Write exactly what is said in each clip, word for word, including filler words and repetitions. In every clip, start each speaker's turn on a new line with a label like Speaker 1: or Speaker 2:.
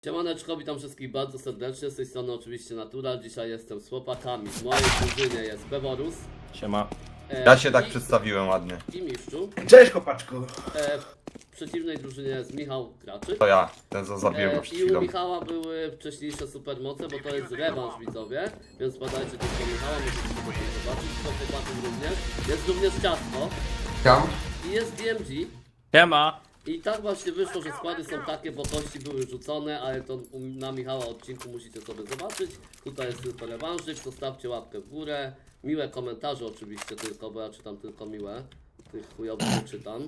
Speaker 1: Siemaneczko, witam wszystkich bardzo serdecznie, z tej strony oczywiście Natural. Dzisiaj jestem z chłopakami, w mojej drużynie jest Peworus.
Speaker 2: Siema.
Speaker 1: E,
Speaker 3: Ja się tak
Speaker 1: i,
Speaker 3: przedstawiłem ładnie.
Speaker 1: I Miszczu.
Speaker 4: Cześć chłopaczku.
Speaker 1: E, w przeciwnej drużynie jest Michał Kraczyk.
Speaker 3: To ja, ten co zabiłem
Speaker 1: E,
Speaker 3: go przed
Speaker 1: I u
Speaker 3: chwilą.
Speaker 1: Michała były wcześniejsze supermoce, bo to jest rewanż widzowie. Więc badajcie tylko Michała, możecie sobie to zobaczyć. To chłopaków również. Jest również Ciastko.
Speaker 4: Tam.
Speaker 1: I jest D M G.
Speaker 2: Siema.
Speaker 1: I tak właśnie wyszło, że składy są takie, bo kości były rzucone, ale to na Michała odcinku musicie sobie zobaczyć. Tutaj jest tylko rewanżyk, zostawcie łapkę w górę. Miłe komentarze oczywiście tylko, bo ja czytam tylko miłe. Tych chujowych nie czytam.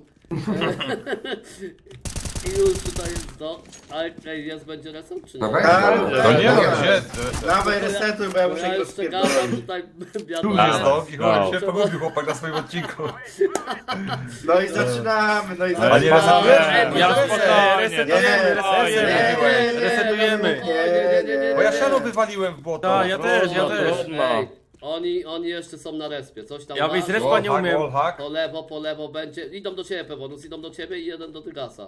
Speaker 1: I już tutaj jest to. Ale tutaj jest, będzie reset czy nie?
Speaker 4: No weź.
Speaker 3: To nie
Speaker 4: no,
Speaker 3: no, gdzie?
Speaker 4: Dawaj resetuj, bo ja
Speaker 1: Bo
Speaker 4: muszę
Speaker 1: ja
Speaker 4: go
Speaker 1: już czekałem
Speaker 4: spierdolić.
Speaker 1: tutaj
Speaker 3: Tu
Speaker 1: wiadomo.
Speaker 3: jest to i chyba
Speaker 2: No.
Speaker 3: się pogubił chłopak na swoim odcinku.
Speaker 4: No i zaczynamy, no i
Speaker 3: A nie
Speaker 4: zaczynamy.
Speaker 3: resetujesz?
Speaker 2: Ja
Speaker 3: Nie,
Speaker 2: spokojnie.
Speaker 4: resetujemy,
Speaker 2: resetujemy.
Speaker 4: nie,
Speaker 2: Resetujemy.
Speaker 4: nie, nie, nie, nie.
Speaker 3: Bo ja siano wywaliłem w błoto.
Speaker 2: Tak, ja też, ja
Speaker 1: Trudno,
Speaker 2: też.
Speaker 1: trudno. Ej, oni, oni jeszcze są na respie, coś tam
Speaker 2: Ja
Speaker 1: ma?
Speaker 2: wyjść z respa nie
Speaker 3: Wallhack,
Speaker 2: umiem.
Speaker 3: wallhack.
Speaker 1: Po lewo, po lewo będzie. Idą do ciebie, Pewonus, idą do ciebie i jeden do Tygasa.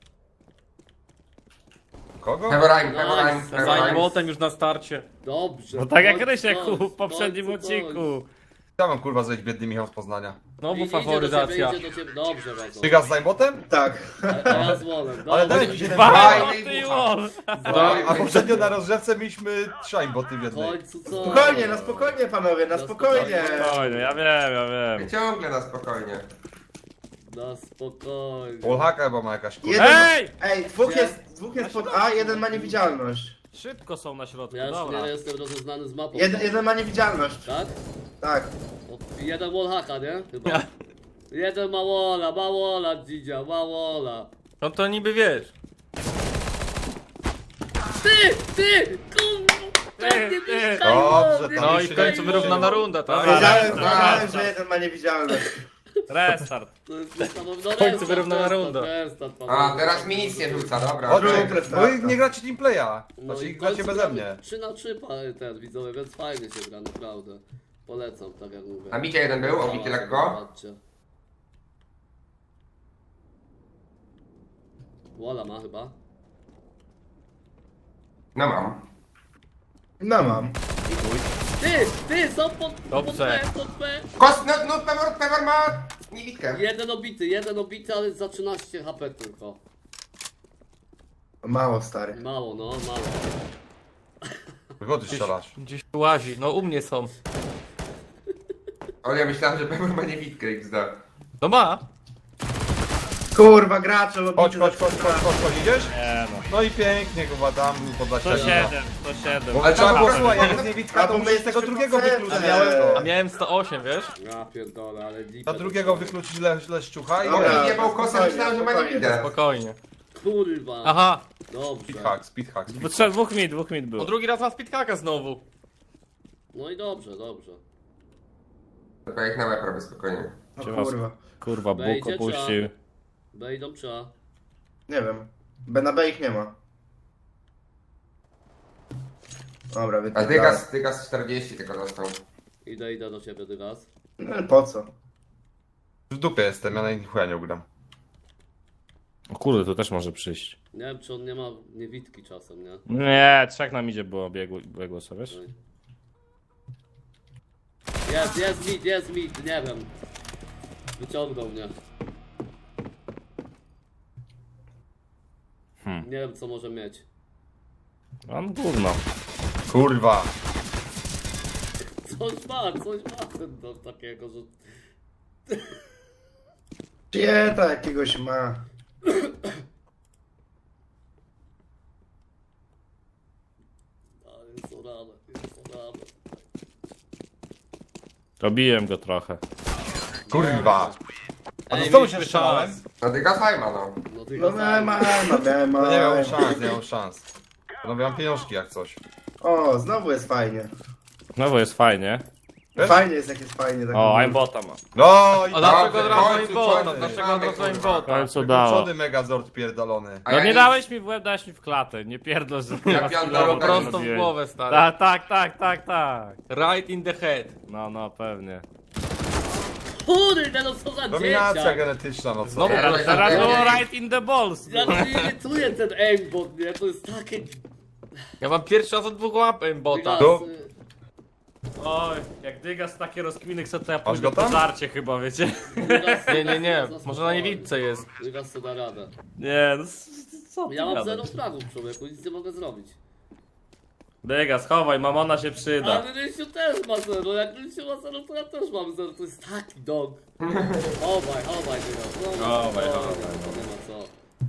Speaker 3: Kogo?
Speaker 4: Heverine,
Speaker 1: Nice.
Speaker 4: Heverine,
Speaker 2: Za
Speaker 4: Heverine.
Speaker 2: młotem już na starcie.
Speaker 1: Dobrze.
Speaker 2: No tak jak
Speaker 1: Kończ,
Speaker 2: Rysiek
Speaker 1: kończ,
Speaker 2: w poprzednim
Speaker 1: kończ,
Speaker 2: odcinku.
Speaker 3: Ja mam kurwa zejść biedny Michał z Poznania.
Speaker 2: Znowu
Speaker 1: kończ. I-
Speaker 2: faworyzacja.
Speaker 1: Idzie do ciebie, idzie do ciebie. Dobrze, bardzo.
Speaker 3: Ty gaz z najbotem?
Speaker 4: Tak.
Speaker 1: A, a ja z Wolem.
Speaker 3: Ale
Speaker 1: Dobrze.
Speaker 3: daj mi się ten
Speaker 2: Dwa
Speaker 3: Dwa.
Speaker 2: boty i wall.
Speaker 3: A poprzednio na rozgrzewce mieliśmy trzy boty w
Speaker 1: W
Speaker 3: jednej.
Speaker 1: końcu co?
Speaker 4: Spokojnie, na spokojnie panowie, na
Speaker 1: Na
Speaker 4: spokojnie.
Speaker 2: Spokojnie, ja wiem, ja wiem.
Speaker 5: Ciągle na spokojnie.
Speaker 1: Na spokojnie.
Speaker 3: Wallhacka chyba ma jakaś kurwa.
Speaker 4: Jeden,
Speaker 2: Ej!
Speaker 4: ej, dwóch jest, dwóch jest pod A, jeden ma niewidzialność.
Speaker 2: Szybko są na środku,
Speaker 1: Ja już
Speaker 2: dobra.
Speaker 1: nie jestem rozeznany z mapą.
Speaker 4: Jeden, jeden ma niewidzialność.
Speaker 1: Tak?
Speaker 4: Tak.
Speaker 1: O, jeden wallhacka, nie? Chyba. Jeden ma walla, ma walla, dzidzia, ma walla.
Speaker 2: No to niby wiesz.
Speaker 1: Ty! Ty! Kurwa! Pewnie
Speaker 2: ty.
Speaker 1: Michał,
Speaker 3: Dobrze,
Speaker 1: nie
Speaker 3: to
Speaker 2: No
Speaker 3: mi
Speaker 2: i
Speaker 3: się
Speaker 2: w końcu
Speaker 3: nie
Speaker 2: wyrównana
Speaker 3: liczy.
Speaker 2: runda, tak?
Speaker 4: Wiedziałem,
Speaker 2: Dobra,
Speaker 4: wiedziałem,
Speaker 2: dobra.
Speaker 4: że jeden ma niewidzialność.
Speaker 2: Restart.
Speaker 1: To jest niesamowite. No,
Speaker 2: W końcu
Speaker 1: restart,
Speaker 2: wyrównana
Speaker 1: restart,
Speaker 2: runda.
Speaker 1: restart,
Speaker 5: A,
Speaker 1: panowie.
Speaker 5: teraz mi nic nie rzuca, dobra.
Speaker 3: Chodź,
Speaker 5: okej.
Speaker 4: Dobra.
Speaker 3: bo wy nie gracie teamplaya.
Speaker 1: No
Speaker 3: Znaczy
Speaker 1: i
Speaker 3: gracie
Speaker 1: to
Speaker 3: beze
Speaker 1: jest
Speaker 3: mnie.
Speaker 1: trzy na trzy ten widzowie, więc fajnie się gra, naprawdę. Polecam, tak jak mówię.
Speaker 5: A Micie jeden był, obity lekko.
Speaker 1: Zobaczcie. Walla ma chyba.
Speaker 5: No mam.
Speaker 4: No mam.
Speaker 1: Ty! Ty! Są pod, pod
Speaker 2: Dobrze.
Speaker 1: P, pod P.
Speaker 5: Kos, no, no, Pevor, Pevor ma niewidkę.
Speaker 1: Jeden obity, jeden obity, ale za trzynaście H P tylko.
Speaker 4: Mało stary.
Speaker 1: Mało, no, mało.
Speaker 3: Wygody strzelasz.
Speaker 2: Gdzieś tu łazi, no u mnie są.
Speaker 5: Ale ja myślałem, że Pevor ma niewidkę, X D.
Speaker 2: No ma.
Speaker 4: Kurwa, gracze
Speaker 3: Chodź,
Speaker 4: lobity
Speaker 3: chodź, chodź, chodź, chodź, chodź, idziesz?
Speaker 2: Nie no.
Speaker 3: No i pięknie, chyba tam podać
Speaker 2: sto siedem, sto siedem.
Speaker 3: Ale trzeba było,
Speaker 5: A,
Speaker 3: słuchaj,
Speaker 5: a,
Speaker 3: jak jest niewidka,
Speaker 4: a,
Speaker 3: to
Speaker 4: bo my
Speaker 3: musisz tego
Speaker 4: jesteśmy
Speaker 3: drugiego
Speaker 4: facetem.
Speaker 3: wykluczyć.
Speaker 4: A miałem
Speaker 2: A miałem sto osiem, wiesz?
Speaker 1: Ja pierdolę, ale deep.
Speaker 3: Na drugiego wykluczyć le, leszczucha i
Speaker 4: Dobra.
Speaker 5: On mi jebał kosę,
Speaker 4: spokojnie,
Speaker 5: myślałem, że ma
Speaker 4: spokojnie.
Speaker 5: niewidkę.
Speaker 2: Spokojnie.
Speaker 1: Kurwa.
Speaker 2: Aha.
Speaker 1: Dobrze.
Speaker 3: Speedhack, speedhack,
Speaker 6: Bo
Speaker 3: speedhack.
Speaker 6: trzeba dwóch mit, dwóch mit
Speaker 2: O
Speaker 6: było.
Speaker 2: drugi raz na speedkaka znowu.
Speaker 1: No i dobrze, dobrze.
Speaker 5: Dobra, jak na łeb robię spokojnie.
Speaker 4: O
Speaker 6: Cię was-
Speaker 4: kurwa.
Speaker 6: Kurwa, Bóg
Speaker 1: Wejdzie,
Speaker 6: opuścił.
Speaker 1: B idą czy A?
Speaker 4: Nie wiem. B na B ich nie ma. Dobra,
Speaker 5: A
Speaker 4: wypierdalaj.
Speaker 5: Dygas, Dygas czterdzieści tylko dostał.
Speaker 1: Idę, idę do ciebie, Dygas.
Speaker 4: No po co?
Speaker 3: W dupie jestem, ja na innych chuja nie ugram.
Speaker 6: O kurde, to też może przyjść.
Speaker 1: Nie wiem, czy on nie ma niewidki czasem, nie?
Speaker 6: Nie, trzech nam idzie było biegło, biegło sobie, wiesz?
Speaker 1: Jest, jest mit, jest mit, nie wiem. Wyciągnął mnie.
Speaker 6: Hmm.
Speaker 1: Nie wiem, co może mieć.
Speaker 6: Mam gówno.
Speaker 3: Kurwa.
Speaker 1: Coś ma, coś ma ten do takiego, że...
Speaker 4: Pieta jakiegoś ma.
Speaker 1: Ale jest orane, jest orane.
Speaker 6: Robiłem go trochę.
Speaker 3: Kurwa. A to
Speaker 2: Ej,
Speaker 3: znowu się
Speaker 2: mieliśmy
Speaker 3: strzelałem?
Speaker 2: czas.
Speaker 5: No Dygas fajma, no.
Speaker 1: No,
Speaker 4: No
Speaker 1: Dygas,
Speaker 4: miałem, miałem, miałem,
Speaker 3: No nie miałem
Speaker 4: miałem.
Speaker 3: szans, nie miałem szans. Panowie, mam pieniążki jak coś.
Speaker 4: O, znowu jest fajnie.
Speaker 6: No bo jest fajnie.
Speaker 3: Wiesz?
Speaker 4: Fajnie jest jak jest fajnie. Tak
Speaker 6: O,
Speaker 4: mówię.
Speaker 6: aimbota ma.
Speaker 3: No i
Speaker 2: A dlaczego
Speaker 5: Dobrze,
Speaker 2: od razu
Speaker 5: w końcu
Speaker 2: aimbota?
Speaker 5: coś
Speaker 2: Dlaczego
Speaker 5: mamy,
Speaker 2: od razu
Speaker 5: kurwa.
Speaker 6: W
Speaker 2: aimbota?
Speaker 6: końcu dało.
Speaker 3: Wykluczony megazord pierdolony.
Speaker 5: A
Speaker 6: No
Speaker 5: ja
Speaker 6: nie
Speaker 5: nic-
Speaker 6: dałeś mi w łeb, dałeś mi w klatę. Nie pierdol, że
Speaker 5: Ja
Speaker 6: na
Speaker 5: pierdolę,
Speaker 6: chwilowo
Speaker 5: tak
Speaker 2: Prosto w
Speaker 6: zrobiłeś.
Speaker 2: głowę, stary.
Speaker 6: Tak, tak, tak, tak, tak.
Speaker 2: Right in the head.
Speaker 6: No, no, pewnie.
Speaker 1: Kurde, no co za
Speaker 3: Dominacja
Speaker 1: dzieciak!
Speaker 3: genetyczna, no co?
Speaker 2: No,
Speaker 6: Teraz, teraz było right in the balls.
Speaker 1: Jak mnie irytuje ten aimbot, nie? To jest takie...
Speaker 2: Ja mam pierwszy raz od dwóch łapem bota.
Speaker 1: Dygas,
Speaker 3: Do-
Speaker 1: y,
Speaker 6: Oj, jak Dygas takie rozkminy chce, to ja
Speaker 3: Masz
Speaker 6: pójdę
Speaker 3: go
Speaker 6: po
Speaker 3: tam?
Speaker 6: żarcie chyba, wiecie?
Speaker 1: Dygas,
Speaker 2: Nie, nie, nie.
Speaker 1: Dygas,
Speaker 2: Może na niewidce jest.
Speaker 1: Dygas co da radę.
Speaker 6: Nie, no s- co ty
Speaker 1: Ja mam
Speaker 6: gadasz?
Speaker 1: zero fragów, człowieku, nic nie mogę zrobić.
Speaker 6: Dygas, chowaj, mamona się przyda.
Speaker 1: Ale Rysiu też ma zero, jak Rysiu ma zero, to ja też mam zero, to jest taki dog. Chowaj, chowaj, Dygas. No,
Speaker 6: Chowaj,
Speaker 1: no,
Speaker 6: chowaj,
Speaker 1: nie, to nie ma co.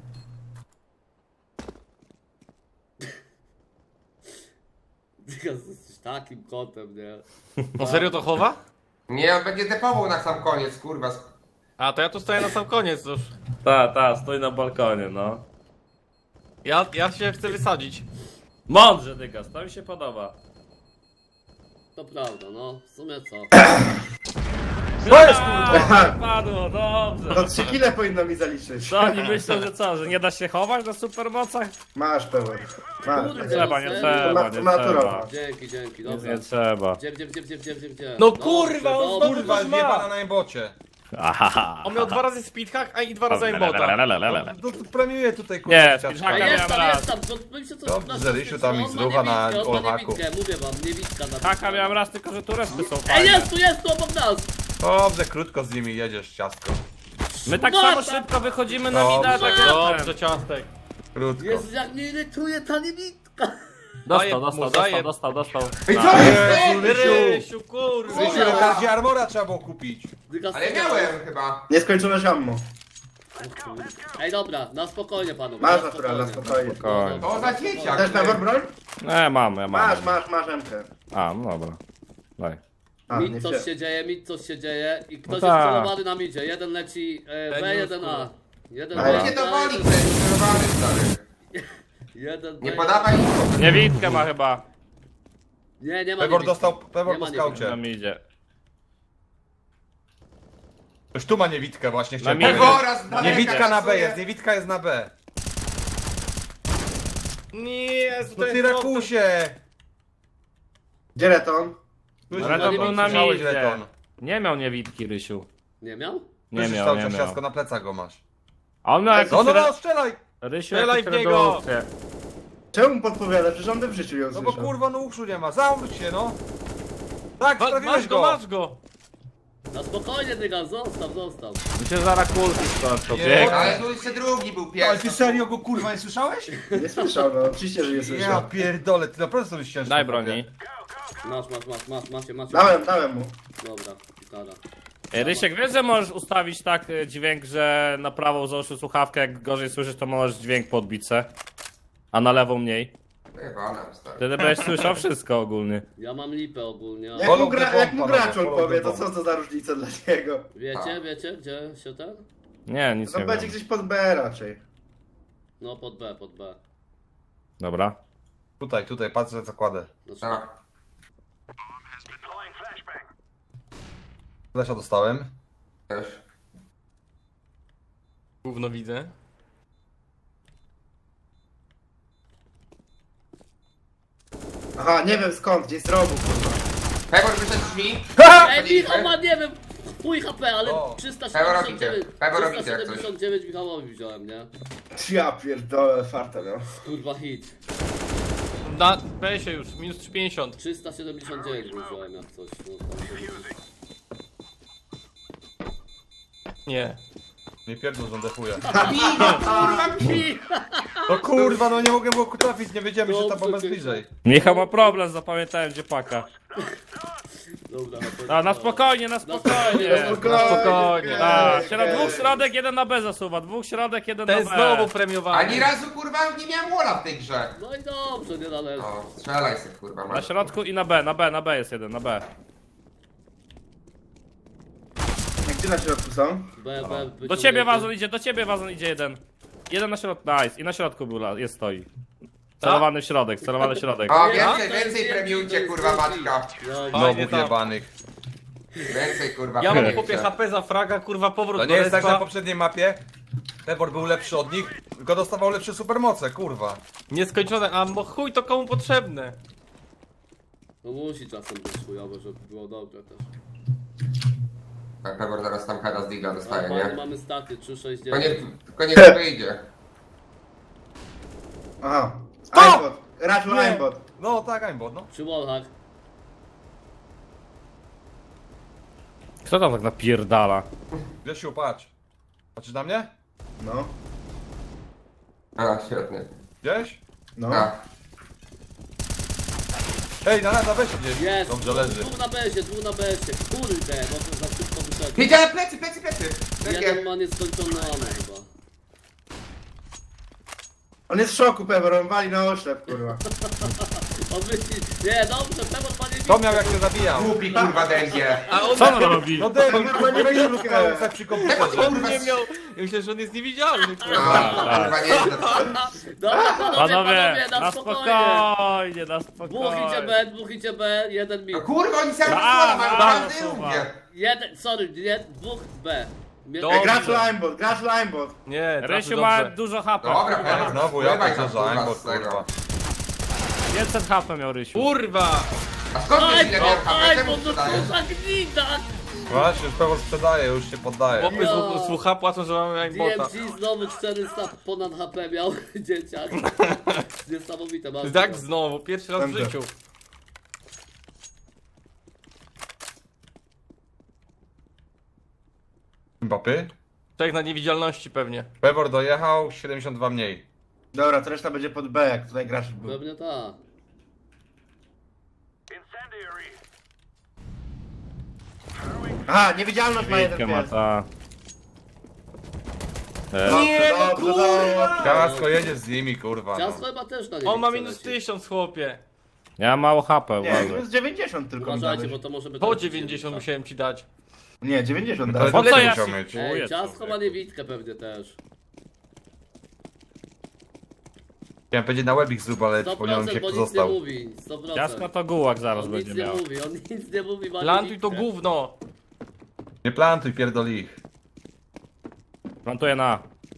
Speaker 1: Dygas, jesteś takim kotem, nie?
Speaker 2: No serio to chowa?
Speaker 5: Nie, on będzie depował na sam koniec, kurwa.
Speaker 2: A to ja tu stoję na sam koniec już.
Speaker 6: Ta, ta, stoi na balkonie, no.
Speaker 2: Ja, ja się chcę wysadzić.
Speaker 6: Mądrze, Dygas, to mi się podoba.
Speaker 1: To prawda, no, w sumie co?
Speaker 3: To jest kurwa!
Speaker 6: A, padło, dobrze.
Speaker 4: To trzy kile powinno mi zaliczyć.
Speaker 6: Co oni myślą, że co, że nie da się chować na supermocach?
Speaker 4: Masz pełen. Masz.
Speaker 1: Kurde,
Speaker 6: Trzeba, nie
Speaker 1: serio?
Speaker 6: trzeba, nie
Speaker 4: Naturowa.
Speaker 6: trzeba.
Speaker 1: Dzięki, dzięki,
Speaker 6: Nic
Speaker 1: dobra.
Speaker 6: nie trzeba.
Speaker 1: Gdzie, gdzie, gdzie, gdzie, gdzie, gdzie, gdzie?
Speaker 2: No
Speaker 1: Dobrze,
Speaker 2: kurwa, on
Speaker 1: dobrze.
Speaker 2: znowu
Speaker 3: Kurwa,
Speaker 2: coś ma.
Speaker 3: zjebana na embocie.
Speaker 6: Ahaha.
Speaker 2: On miał dwa razy speedhack, a i dwa razy aimbota.
Speaker 3: No to premiuję tutaj kurwa
Speaker 6: Nie,
Speaker 3: ciaczka.
Speaker 6: speedhacka
Speaker 1: A
Speaker 6: miałem
Speaker 1: jest tam,
Speaker 6: raz.
Speaker 1: jest tam, to my się coś
Speaker 3: Dobrze,
Speaker 1: na
Speaker 3: Rysiu tam ich
Speaker 1: on ma
Speaker 3: zrucha na
Speaker 1: niewidkę, on ma
Speaker 3: olmaku.
Speaker 1: niewidkę, mówię wam, niewidka na
Speaker 6: Taka miałem raz, tylko że tu respy są
Speaker 1: Ej,
Speaker 6: fajne.
Speaker 1: jest tu, jest tu obok nas!
Speaker 3: Dobrze, krótko z nimi jedziesz, ciastko.
Speaker 6: My tak
Speaker 1: Szmata!
Speaker 6: samo szybko wychodzimy na
Speaker 3: Dobrze.
Speaker 6: mida, tak
Speaker 2: Dobrze, ciastek.
Speaker 3: Krótko.
Speaker 1: Jezu, jak mnie irytuje ta niewidka!
Speaker 2: Daję
Speaker 6: Dostał,
Speaker 2: mu,
Speaker 6: dostał,
Speaker 2: daję.
Speaker 6: dostał, dostał, dostał.
Speaker 5: Ej, co
Speaker 3: Jezu,
Speaker 5: jest?
Speaker 3: Rysiu!
Speaker 2: Rysiu, kurwa.
Speaker 3: Rysiu, na każdzie armora trzeba było kupić.
Speaker 1: Dygas,
Speaker 5: Ale miałem chyba.
Speaker 4: Nieskończone ammo.
Speaker 1: Ej, dobra, na spokojnie panowie.
Speaker 4: Masz natural, na spokojnie.
Speaker 6: Spokojnie.
Speaker 5: To za dzieciak.
Speaker 4: Też pewor broń?
Speaker 6: Nie, mam, ja mam.
Speaker 4: Masz, masz, masz emkę.
Speaker 6: A, no dobra. Daj.
Speaker 4: A, nie
Speaker 1: Mit coś
Speaker 4: wzię-
Speaker 1: się dzieje, mit coś się dzieje i ktoś
Speaker 6: No
Speaker 1: jest
Speaker 6: tak.
Speaker 1: celowany na midzie. Jeden leci e, B,
Speaker 2: Ten
Speaker 1: jeden
Speaker 2: już,
Speaker 1: A. Jeden
Speaker 4: A
Speaker 1: B,
Speaker 4: ja
Speaker 5: Nie
Speaker 1: jeden A,
Speaker 5: dowoli,
Speaker 1: jeden-
Speaker 5: to jest sterowany, stary.
Speaker 1: jeden B,
Speaker 5: Nie
Speaker 1: jeden-
Speaker 5: podawaj info.
Speaker 6: Niewidkę ma chyba.
Speaker 1: Nie, nie ma
Speaker 3: Pewor
Speaker 1: niewidki.
Speaker 3: dostał, Pewor
Speaker 1: Nie
Speaker 3: po
Speaker 1: ma
Speaker 3: skaucie.
Speaker 6: Nam idzie.
Speaker 3: Ktoś tu ma niewidkę właśnie, chciałem
Speaker 6: Na midzie.
Speaker 3: powiedzieć.
Speaker 5: Pewora z daleka
Speaker 3: Niewidka na B
Speaker 5: kasuje.
Speaker 3: jest, niewidka jest na B.
Speaker 2: Nie,
Speaker 3: No
Speaker 2: to
Speaker 3: ty
Speaker 2: jest
Speaker 3: rakusie!
Speaker 4: Gdzie Reton?
Speaker 6: Ale to był na
Speaker 3: Słyszałeś,
Speaker 6: midzie.
Speaker 3: Leton.
Speaker 6: Nie miał niewidki, Rysiu.
Speaker 1: Nie miał?
Speaker 6: Nie
Speaker 3: Słyszysz
Speaker 6: miał,
Speaker 3: cały
Speaker 6: nie
Speaker 3: czas
Speaker 6: miał.
Speaker 3: ciastko, na plecach go masz.
Speaker 6: A on miał jakieś...
Speaker 3: No no
Speaker 6: re-
Speaker 3: no, strzelaj!
Speaker 6: Rysiu,
Speaker 2: Strzelaj
Speaker 6: jakieś
Speaker 2: w niego!
Speaker 6: redukcje.
Speaker 4: Czemu podpowiada? Przecież on by w życiu ją
Speaker 3: No bo
Speaker 4: słyszał.
Speaker 3: kurwa no uszu nie ma, zawróć się no! Tak,
Speaker 2: Ma,
Speaker 3: trafiłeś
Speaker 2: masz go,
Speaker 3: go!
Speaker 2: masz go.
Speaker 1: Na spokojnie, Dygas, zostaw, zostaw.
Speaker 6: Mi się zaraz kulki skończą.
Speaker 3: Nie.
Speaker 6: Bieg.
Speaker 5: Ale tu jeszcze drugi był
Speaker 3: Ale ty
Speaker 5: pierwszy.
Speaker 3: serio go kurwa nie słyszałeś?
Speaker 4: Nie słyszał, no oczywiście, że nie
Speaker 3: Ja
Speaker 4: słyszał.
Speaker 3: pierdolę, ty naprawdę sobie ścieżkę.
Speaker 6: Daj broni.
Speaker 1: Masz, masz, masz, masz, macie, macie.
Speaker 4: Dałem, dałem mu.
Speaker 1: Dobra, gitara.
Speaker 6: Ej, Rysiek, wiesz, że możesz ustawić tak y, dźwięk, że na prawą załóż słuchawkę, jak gorzej słyszysz, to możesz dźwięk podbić se. A na lewą mniej.
Speaker 5: Chyba nam, stary.
Speaker 6: Wtedy będziesz słyszał wszystko ogólnie.
Speaker 1: Ja mam lipę ogólnie.
Speaker 4: Jak
Speaker 3: Follow
Speaker 4: mu,
Speaker 3: the
Speaker 4: gra,
Speaker 3: bomb,
Speaker 4: jak mu
Speaker 3: panowie,
Speaker 4: gracz on
Speaker 3: follow
Speaker 4: powie,
Speaker 3: the
Speaker 4: to
Speaker 3: bomb.
Speaker 4: co to za różnica dla niego?
Speaker 1: Wiecie, wiecie, gdzie się ten?
Speaker 6: Nie, nic
Speaker 4: To
Speaker 6: nie
Speaker 4: będzie
Speaker 6: wiem.
Speaker 4: gdzieś pod B raczej.
Speaker 1: No pod B, pod B.
Speaker 6: Dobra.
Speaker 3: Tutaj, tutaj, patrzę co kładę.
Speaker 1: Znaczy,
Speaker 5: Tak.
Speaker 3: Flesza dostałem.
Speaker 5: Też.
Speaker 2: Gówno widzę.
Speaker 4: Aha, nie wiem skąd, gdzieś z rogu, kurwa.
Speaker 5: Pewor wyszedł drzwi.
Speaker 1: Ej, Michał ma, nie wiem, chuj H P, ale
Speaker 3: O.
Speaker 1: trzysta
Speaker 5: Pewor
Speaker 1: siedemdziesiąt dziewięć,
Speaker 5: robicie, Pewor robicie
Speaker 1: trzysta
Speaker 5: jak coś.
Speaker 1: siedemdziesiąt dziewięć Michałowi wziąłem, nie?
Speaker 4: Ja pierdolę, farta miał.
Speaker 1: Kurwa hit.
Speaker 2: Na B się już, minus trzysta pięćdziesiąt.
Speaker 1: trzysta siedemdziesiąt dziewięć mu wziąłem jak coś. No, tam się liczy.
Speaker 2: Nie.
Speaker 3: Nie pierdol, że on defuje.
Speaker 5: Bij go, kurwa, bij!
Speaker 3: No kurwa, no nie mogę było trafić, nie wiedziałem, że ta
Speaker 1: Dobrze,
Speaker 3: bomba jest
Speaker 1: ty-
Speaker 3: bliżej.
Speaker 6: Michał ma problem, zapamiętałem gdzie paka.
Speaker 1: Dobra, no to...
Speaker 6: A na spokojnie, na spokojnie.
Speaker 1: Na
Speaker 4: spokojnie.
Speaker 2: spokojnie.
Speaker 6: Tak, środ, dwóch środek, jeden na B zasuwa, dwóch środek, jeden
Speaker 2: Ten
Speaker 6: na B.
Speaker 2: znowu premiowany.
Speaker 5: Ani razu, kurwa, nie miałem wola w tej grze.
Speaker 1: No i dobrze, nie należy.
Speaker 5: No, strzelaj se, kurwa,
Speaker 6: Na
Speaker 5: masz.
Speaker 6: środku i na B, na B, na B jest jeden, na B.
Speaker 4: Gdzie na środku są?
Speaker 1: B, B, być
Speaker 6: Do ciebie
Speaker 1: umiejętny.
Speaker 6: wazon idzie, do ciebie wazon idzie jeden. Jeden na środku, nice. I na środku był, la- jest stoi. Celowany w środek, celowany w środek.
Speaker 5: O,
Speaker 1: Nie,
Speaker 5: więcej,
Speaker 1: to jest
Speaker 5: więcej
Speaker 1: więcej,
Speaker 5: premiujcie,
Speaker 1: to jest
Speaker 5: kurwa,
Speaker 1: więcej.
Speaker 5: Maćka.
Speaker 1: No,
Speaker 2: Fajnie
Speaker 3: Znowu
Speaker 2: tam.
Speaker 3: jebanych.
Speaker 5: Więcej, kurwa,
Speaker 2: Ja mam
Speaker 5: premiujcie.
Speaker 2: chłopie H P za fraga, kurwa powrót
Speaker 3: To
Speaker 2: do
Speaker 3: nie jest tak
Speaker 2: respa.
Speaker 3: na poprzedniej mapie. Pewor był lepszy od nich, tylko dostawał lepsze supermoce, kurwa.
Speaker 2: Nieskończone, a bo chuj to komu potrzebne?
Speaker 1: no musi czasem być chujowe, żeby było dobre też.
Speaker 5: Pewor zaraz tam heada z digla dostaje,
Speaker 1: Mamy,
Speaker 5: nie?
Speaker 1: mamy staty trzy sześć
Speaker 5: Tylko
Speaker 1: dziewięć.
Speaker 5: nie, tylko nie to wyjdzie.
Speaker 4: Aha.
Speaker 3: Stop!
Speaker 4: Aimbot. Raczu
Speaker 3: Nie.
Speaker 4: aimbot.
Speaker 3: No tak, aimbot, no.
Speaker 1: Przy wallhack.
Speaker 6: Kto tam tak napierdala?
Speaker 3: Grzesiu, patrz. Patrzysz na mnie?
Speaker 4: No.
Speaker 5: A, świetnie.
Speaker 3: Gdzieś?
Speaker 4: No.
Speaker 5: Tak.
Speaker 3: Ej, na na weź gdzieś.
Speaker 1: Jest!
Speaker 3: Dobrze leży.
Speaker 1: Dwóch na besie, dwóch na besie. Kurde, bo to za szybko wyszedł.
Speaker 5: Wiedziałem, plecy, plecy, plecy!
Speaker 1: Jeden
Speaker 5: Takie.
Speaker 1: ma nieskończone ammo chyba.
Speaker 4: On jest w szoku, Pewor, on wali na oślep, kurwa.
Speaker 1: On myśli, nie, dobrze, Pewor ma nie
Speaker 3: To miał jak się zabijał.
Speaker 5: Głupi kurwa dęgie.
Speaker 6: Co on robi?
Speaker 3: No debil,
Speaker 4: Kurwa, nie
Speaker 3: kurwa,
Speaker 4: wyjdzie.
Speaker 3: nie tak przy komputerze.
Speaker 5: Kurwa,
Speaker 2: Nie miał... Ja myślę, że on jest niewidzialny.
Speaker 5: A, kurwa, nie jest to.
Speaker 1: Dobra, panowie,
Speaker 6: Panowie,
Speaker 1: panowie,
Speaker 6: na spokojnie, na
Speaker 1: Dwóch idzie
Speaker 6: spokojnie.
Speaker 1: B, dwóch idzie B, jeden mi.
Speaker 5: No kurwa, oni sami
Speaker 6: A,
Speaker 5: słowa mają,
Speaker 6: a,
Speaker 5: każdy
Speaker 6: słowa.
Speaker 5: umie.
Speaker 1: Jeden, sorry, nie, dwóch B. Mnie-
Speaker 2: Dobrze.
Speaker 4: Gracz aimbot, gracz aimbot.
Speaker 2: Nie,
Speaker 6: Rysiu
Speaker 2: trafił
Speaker 6: ma
Speaker 2: dobrze.
Speaker 6: dużo H P.
Speaker 5: Dobra,
Speaker 3: Ej,
Speaker 5: Pewor,
Speaker 3: znowu ja
Speaker 5: pływaj
Speaker 3: tak
Speaker 5: tam,
Speaker 3: za
Speaker 5: kurwa,
Speaker 3: aimbot,
Speaker 5: z tego.
Speaker 3: kurwa.
Speaker 6: pięćset H P miał Rysiu.
Speaker 2: Kurwa!
Speaker 5: A skąd wiesz
Speaker 1: Aj,
Speaker 5: ile
Speaker 1: bo,
Speaker 5: miałem H P?
Speaker 1: aj,
Speaker 5: Czemu
Speaker 1: bo to
Speaker 5: sprzedajesz?
Speaker 1: za gnida!
Speaker 3: Właśnie, już pewno sprzedaje, już się poddaje.
Speaker 2: Chłopy z słucha płacą, że mamy
Speaker 1: D
Speaker 2: aimbota.
Speaker 1: M G znowu czterysta ponad H P miał, dzieciak. Niesamowite, bardzo.
Speaker 2: Tak znowu, pierwszy raz w
Speaker 4: Dobrze.
Speaker 2: życiu.
Speaker 3: Mbappy?
Speaker 2: Tak na niewidzialności pewnie.
Speaker 3: Pewor dojechał, siedemdziesiąt dwa mniej.
Speaker 4: Dobra, to reszta będzie pod B, jak tutaj gracz był.
Speaker 1: Pewnie tak.
Speaker 4: Aha, niewidzialność ma jeden
Speaker 6: Bitkę ma
Speaker 4: pies.
Speaker 6: ta.
Speaker 4: Nie, no kurwa!
Speaker 3: Kasko jedzie z nimi, kurwa.
Speaker 1: Ciasto
Speaker 3: No.
Speaker 1: chyba też na nie
Speaker 2: On ma
Speaker 1: chce
Speaker 2: minus
Speaker 1: lecieć.
Speaker 2: tysiąc, chłopie.
Speaker 6: Ja mam mało H P,
Speaker 4: Nie, to
Speaker 6: uważaj.
Speaker 4: jest dziewięćdziesiąt tylko mi
Speaker 1: Uważajcie,
Speaker 4: dałeś.
Speaker 1: bo to może być...
Speaker 2: Po dziewięćdziesiąt musiałem ci dać.
Speaker 4: Nie, dziewięćdziesiąt
Speaker 3: To
Speaker 4: dałeś.
Speaker 6: Po co
Speaker 3: tyle
Speaker 6: ja
Speaker 3: musiał
Speaker 6: się-
Speaker 3: mieć.
Speaker 1: Ej,
Speaker 6: Czuję
Speaker 1: ciasto
Speaker 6: to.
Speaker 1: ma niewidkę pewnie też.
Speaker 3: Chciałem powiedzieć na webik zrób, ale
Speaker 1: sto
Speaker 3: przypomniałem mi się,
Speaker 1: procent,
Speaker 3: kto
Speaker 1: bo nic nie
Speaker 3: został.
Speaker 1: mówi. sto procent.
Speaker 6: Ciasko to gułak zaraz
Speaker 1: On
Speaker 6: będzie
Speaker 1: nic nie
Speaker 6: miał.
Speaker 1: mówi, on nic nie mówi, ma
Speaker 2: Plantuj to
Speaker 1: niewidkę.
Speaker 2: gówno.
Speaker 3: Nie plantuj, pierdoli ich.
Speaker 6: Plantuję na.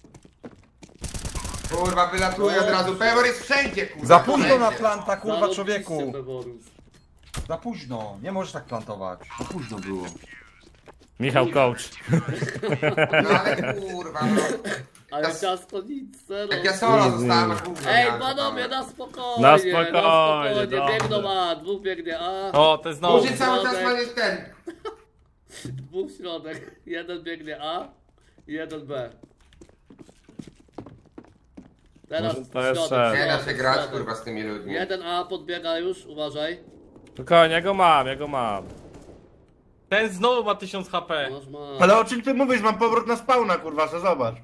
Speaker 5: Kurwa, wylatuje od razu. Pewor jest wszędzie, kurwa.
Speaker 3: Za późno na
Speaker 5: wszędzie.
Speaker 3: planta, kurwa,
Speaker 1: Zarobiście,
Speaker 3: człowieku.
Speaker 1: Peworus.
Speaker 3: Za późno, nie możesz tak plantować. Za późno było.
Speaker 6: Michał coach.
Speaker 5: No ale kurwa, no.
Speaker 1: Ale
Speaker 5: Ja-
Speaker 1: ciasto nic, zero.
Speaker 5: Jak ja solo zostałem, a gówno
Speaker 1: Ej,
Speaker 5: miałem,
Speaker 1: panowie,
Speaker 5: to tam.
Speaker 1: na spokojnie,
Speaker 6: Na
Speaker 1: na
Speaker 6: spokojnie,
Speaker 1: spokojnie.
Speaker 6: dobrze.
Speaker 1: Biegną A, dwóch biegnie A,
Speaker 2: O, to jest znowu.
Speaker 5: Murzy cały czas ma jest ten.
Speaker 1: dwóch środek. Jeden biegnie A, jeden B. Teraz
Speaker 6: Może to jest
Speaker 1: środek,
Speaker 6: szef.
Speaker 5: Nie da
Speaker 1: środek,
Speaker 5: się grać,
Speaker 1: środek.
Speaker 5: kurwa, z tymi ludźmi.
Speaker 1: Jeden A podbiega już, uważaj.
Speaker 6: Spokojnie, ja go mam, ja go mam.
Speaker 2: Ten znowu ma tysiąc H P.
Speaker 1: Masz ma...
Speaker 4: Ale o czym ty mówisz? Mam powrót na spawna, kurwa, co zobacz.